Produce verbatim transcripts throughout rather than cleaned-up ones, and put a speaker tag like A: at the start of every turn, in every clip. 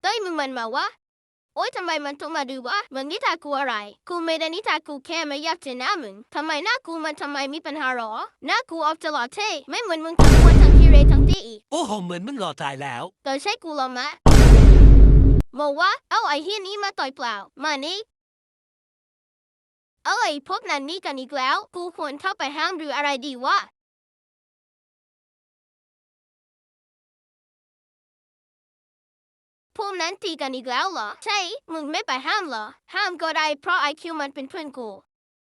A: ต้ยมึงมันมาวะโอ๊ยทำไมมันต้องมาดูวะมึงนิทากูอะไรกูไม่ได้นิทากูแค่ไม่อยากเจอหน้ามึงทำไมหน้ากูมันทำไมมีปัญหาหรอหน้ากูออกจะหล่อเท่ไม่เหมือนมึงทั้งวันทั้งทีเรทั้งตีอีก
B: โอ้โหเหมือนมึงหล่อตายแล้ว
A: แต่ใช่กูหรอมะบอกว่าเอาไอ้เฮียนี้มาต่อยเปล่ามานี่เอาไอ้พวกนั้นนี่กันอีกแล้วกูควรเข้าไปห้ามหรืออะไรดีวะพวกนั้นตีกันอีกแล้วเหรอใช่มึงไม่ไปห้ามเหรอห้ามก็ได้เพราะไอคิวมันเป็นเพื่อนกู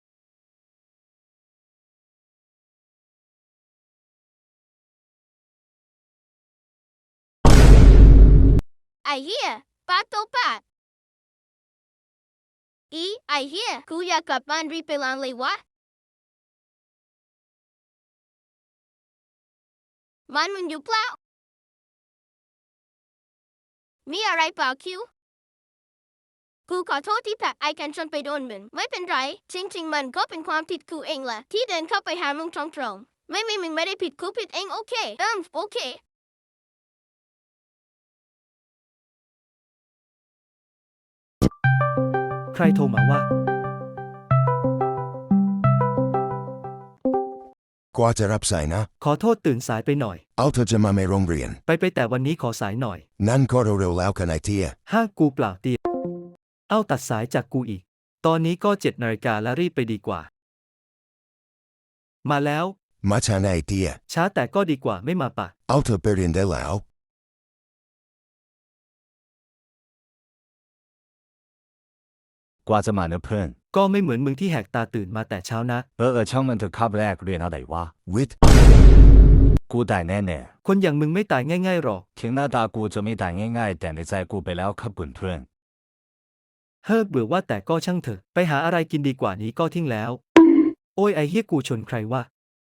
A: ไอเฮียปาโตปาอีไอเฮียกูอยากกลับบ้านรีบไปล้างเลยวะมันมึงอยู่เปล่ามีอะไรเปล่าคิวกูขอโทษที่ผลักไอกันจนไปโดนมึงไม่เป็นไรจริงๆมันก็เป็นความผิดกูเองแหละที่เดินเข้าไปหามึงตรงๆไม่ไม่มึงไม่ได้ผิดกูผิดเองโอเคเอิมโอเค
C: ใครโทรมาว่
D: ากว่าจะรับสายนะ
C: ขอโทษตื่นสายไปหน่อย
D: เอาเธอจะมาไม่โรงเรียน
C: ไปไปแต่วันนี้ขอสายหน่อย
D: นั่นก็เร็วๆแล้วกันไอเทีย
C: ห้ากูเปล่าเตียเอาตัดสายจากกูอีกตอนนี้ก็เจ็ดนาฬิกาแล้วรีบไปดีกว่ามาแล้ว
D: มาช้าไอเทีย
C: ช้าแต่ก็ดีกว่าไม่มาปะ
D: เอาเธอไปเรียนได้แล้ว
E: กว่าจะมาเนอะเพื่อน
C: ก็ไม่เหมือนมึงที่แหกตาตื่นมาแต่เช้านะ
E: เออเออช่างมันเถอะคาบแรกเรียนอะไรวะ
D: วิทย์
E: กูตายแน่ๆ
C: คนอย่างมึงไม่ตายง่ายๆหรอก
E: ถึงหน้าตากูจะไม่ตายง่ายๆแต่ในใจกูไปแล้วครับเพื่อน
C: เฮ้อเบื่อว่าแต่ก็ช่างเถอะไปหาอะไรกินดีกว่านี้ก็ทิ้งแล้วโอ้ยไอเฮียกูชนใครวะ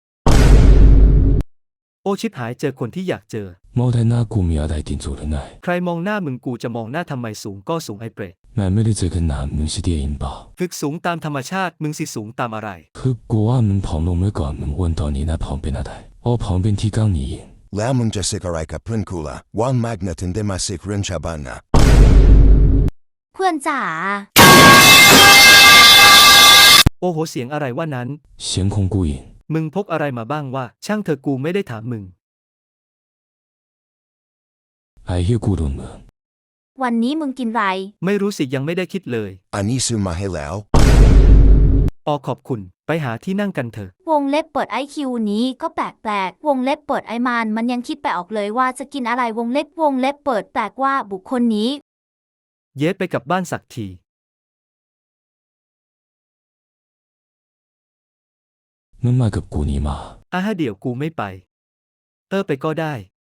C: โอชิบหายเจอคนที่อยากเจอ
F: 冇睇那古米亞大電做人奶，
C: ใครมองหน้ามึงกูจะมองหน้าทำไมสูงก็สูงไอเปรต
F: 奶咩你這個男人是電影吧？
C: ฝึกสูงตามธรรมชาติมึงสิสูงตามอะไร
F: 佢個啱門旁路咩個門揾到你那旁邊那台，我旁邊ที่剛你贏。
D: แล้วมึงจะสิกอะไรกับเพื่อนกูล่ะวันแมกนัตินได้มาสิกเรื่องชาวบ้านนะ
G: เพื่อนจ๋า
C: โอ้โหเสียงอะไรว่านั้น
F: 先空孤影
C: มึงพกอะไรมาบ้างวะช่างเธอกูไม่ได้ถามมึง
F: ไอ้เหี้ยกูโดนเมือง
G: วันนี้มึงกินไร
C: ไม่รู้สิยังไม่ได้คิดเลย
D: อันนี้ซื้อมาให้แล้ว
C: ออขอบคุณไปหาที่นั่งกันเถอะ
G: วงเล็บเปิดไอคิวนี้ก็แปลกๆวงเล็บเปิดไอมานมันยังคิดไปออกเลยว่าจะกินอะไรวงเล็บวงเล็บเปิดแปลกว่าบุคคลนี้
C: เย็ดไปกับบ้านสักที
F: มึงมากับกูนี่มา
C: อ่ะฮะเดี๋ยวกูไม่ไปเออไปก็ได้